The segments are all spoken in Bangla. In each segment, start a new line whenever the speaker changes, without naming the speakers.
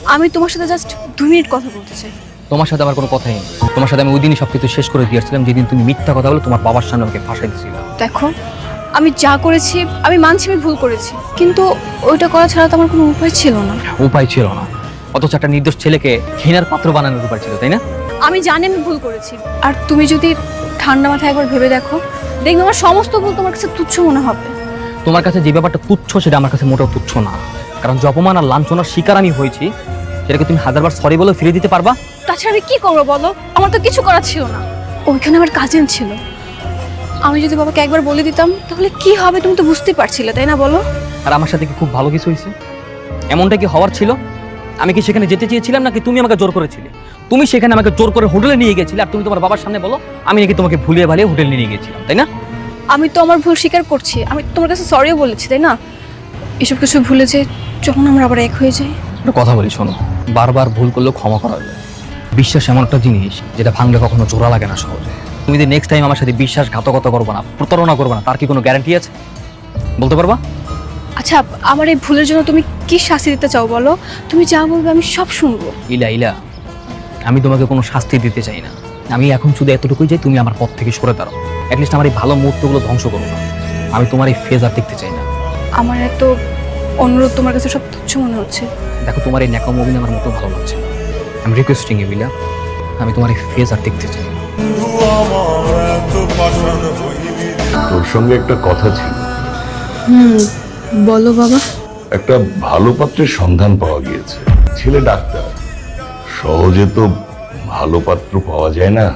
আমি তোমার সাথে জাস্ট 2 মিনিট কথা বলতে চাই।
তোমার সাথে আমার কোনো কথাই নেই। তোমার সাথে আমি ওই দিনই সবকিছু শেষ করে দিয়েছিলাম, যেদিন তুমি মিথ্যা কথা বলে তোমার বাবার সামনে আমাকে ফাঁসাই দিয়েছিলে।
দেখো, আমি যা করেছি আমি মানছি আমি ভুল করেছি, কিন্তু ওইটা করা ছাড়া তো আমার কোনো উপায় ছিল না।
উপায় ছিল না, অথচ একটা নির্দোষ ছেলেকে ঘৃণার পাত্র বানানোর উপায় ছিল, তাই না?
আমি জানি আমি ভুল করেছি, আর তুমি যদি ঠান্ডা মাথায় একবার ভেবে দেখো, দেখবে আমার সমস্ত ভুল তোমার কাছে তুচ্ছ মনে হবে।
তোমার কাছে যে ব্যাপারটা তুচ্ছ সেটা আমার কাছে মোটেও তুচ্ছ না, কারণ যে অপমান আর লাঞ্ছনার শিকার আমি হয়েছি সেটাকে তুমি হাজারবার সরি বলে ফিরে দিতে পারবা?
তাছাড়া আমি কি করবো বলো, আমার তো কিছু করার ছিল না। ওইখানে আমার কাজিন ছিল, আমি যদি বাবাকে একবার বলে দিতাম তাহলে কি হবে তুমি তো বুঝতেই পারছিলে, তাই না বলো?
আর আমার সাথে কি খুব ভালো কিছু হয়েছে? এমনটা কি হওয়ার ছিল? আমি কি সেখানে যেতে চেয়েছিলাম নাকি তুমি আমাকে জোর করেছিলে? তুমি সেখানে আমাকে জোর করে হোটেলে নিয়ে গেছিলে, আর তুমি তোমার বাবার সামনে বলো আমি নাকি তোমাকে ভুলিয়ে ভালিয়ে হোটেলে নিয়ে গেছিলাম, তাই না?
আমি তো আমার ভুল স্বীকার করছি, আমি তোমার কাছে সরিও বলেছি, তাই না? এসব কিছু ভুলে যে যখন আমরা আবার এক হয়ে যাই।
একটা কথা বলি শোনো, বারবার ভুল করলেও ক্ষমা করা যায়। বিশ্বাস এমন একটা জিনিস যেটা ভাঙলে কখনো জোড়া লাগে না সহজে। তুমি যদি নেক্সট টাইম আমার সাথে বিশ্বাসঘাতকতা করবে না, প্রতারণা করবে না, তার কি কোনো গ্যারান্টি আছে? বলতে পারবা?
আচ্ছা, আমার এই ভুলের জন্য তুমি কি শাস্তি দিতে চাও বলো? তুমি যা বলবে আমি সব শুনবো।
ইলা ইলা, আমি তোমাকে কোনো শাস্তি দিতে চাই না। আমি এখন শুধু এতটুকুই যে তুমি আমার পথ থেকে সরে দাঁড়াও। অ্যাটলিস্ট আমার এই ভালো মুহূর্তগুলো ধ্বংস করো না। আমি তোমার এই ফেজ আর দেখতে চাই না।
আমার এত অনুরোধ তোমার কাছে সব তুচ্ছ মনে হচ্ছে।
দেখো, তোমার এই ন্যাকামো অভিনয় আমার মোটেও ভালো লাগছে না। আমি রিকোয়েস্টিং ইউ ইলা, আমি তোমার এই ফেজ আর দেখতে চাই না।
তোর সঙ্গে একটা কথা ছিল।
বলো বাবা।
একটা ভালো পাত্রের সন্ধান পাওয়া গিয়েছে। ছেলে ডাক্তার, সহজে তো ভালো পাত্র পাওয়া যায় না।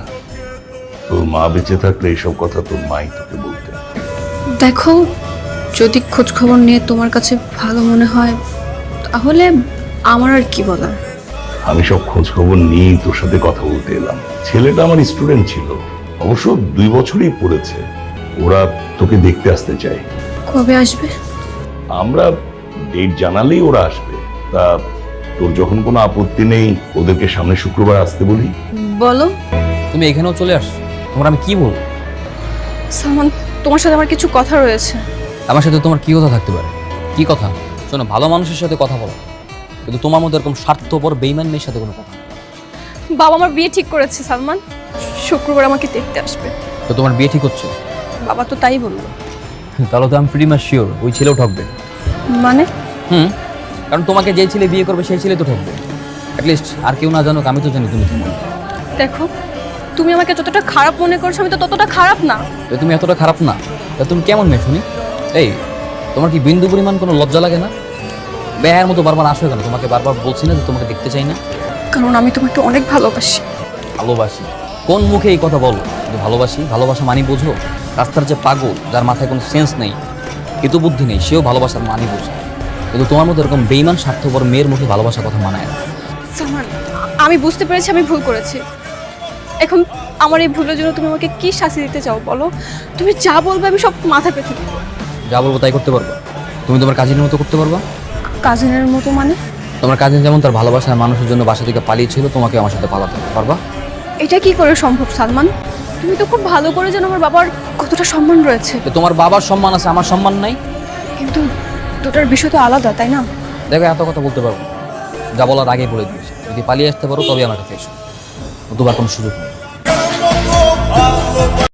তোর মা বেঁচে থাকলে এইসব কথা তোর মাই তোকে বলতেন।
দেখো, যদি খোঁজ খবর নিয়ে তোমার কাছে ভালো মনে হয় তাহলে আমার আর কি বলার।
আমি সব খোঁজ খবর নিয়েই তোর সাথে কথা বলতে এলাম। ছেলেটা আমার স্টুডেন্ট ছিল, অবশ্য 2 বছরই পড়েছে। ওরা তোকে দেখতে আসতে চায়।
কবে আসবে?
আমরা ডেট জানালেই ওরা আসবে। তা তোর যখন কোনো আপত্তি নেই, ওদেরকে সামনে শুক্রবার আসতে বলি।
বলো।
তুমি এখানেও চলে আসছো, তোমার আমি কি বলবো?
সালমান, তোমার সাথে আমার কিছু কথা রয়েছে।
আমার সাথে তোমার কি কথা থাকতে পারে? কি কথা? শোনো, ভালো মানুষের সাথে কথা বলো, কিন্তু তোমার মধ্যে এরকম স্বার্থপর বেইমান মেয়ের সাথে কোনো কথা নেই।
বাবা আমার বিয়ে ঠিক করেছে সালমান, শুক্রবার আমাকে দেখতে আসবে।
তো তোমার বিয়ে ঠিক হচ্ছে?
বাবা তো তাই বললো।
তাহলে তো আমি প্রিটি মাচ শিওর ওই ছেলেও ঠকবে।
মানে?
কারণ তোমাকে যে ছেলে বিয়ে করবে সেই ছেলে তো ঠকবে। অ্যাটলিস্ট আর কেউ না জানুক, আমি তো জানি তুমি কেমন।
দেখো, তুমি আমাকে যতটা খারাপ মনে করছো আমি তো ততটা খারাপ না।
তো তুমি এতটা খারাপ না, তা তুমি কেমন মেয়ে শুনি? এই, তোমার কি বিন্দু পরিমাণ কোনো লজ্জা লাগে না? বেহার মতো বারবার আসো কেন? তোমাকে বারবার বলছি না যে তোমাকে দেখতে চাই না?
কারণ আমি তোমাকে অনেক ভালোবাসি।
ভালোবাসি? কোন মুখে এই কথা বলো যে ভালোবাসি? ভালোবাসা মানি বোঝো? রাস্তার যে পাগল, যার মাথায় কোনো সেন্স নেই, এত বুদ্ধি নেই, সেও ভালোবাসার মানি বোঝে। কিন্তু তোমার মতো এরকম বেইমান স্বার্থপর মেয়ের মুখে ভালোবাসার কথা মানায় না।
সালমান, আমি বুঝতে পেরেছি আমি ভুল করেছি। এখন আমার এই ভুলের জন্য তুমি আমাকে কি শাস্তি দিতে চাও বলো? তুমি যা বলবে আমি সব মাথা পেতে দেবো।
যা বলবো তাই করতে পারবা? তুমি তোমার কাজিনের মতো করতে পারবা?
কাজিনের মতো মানে?
তোমার কাজিন যেমন তার ভালোবাসার মানুষের জন্য বাসা থেকে পালিয়েছিল, তোমাকে আমার সাথে পালাতে পারবা?
এটা কি করে সম্ভব সালমান? তুমি তো খুব ভালো করে জানো আমার বাবার কতটা সম্মান রয়েছে।
তো তোমার বাবার সম্মান আছে, আমার সম্মান নাই?
কিন্তু দুটার বিষয় তো আলাদা, তাই না?
দেখো, এত কথা বলতে পারবো না। যা বলার আগেই বলে দিয়েছি, যদি পালিয়ে আসতে পারো তবে আমার কাছে এসো, নতুবা কোনো সুযোগ নেই।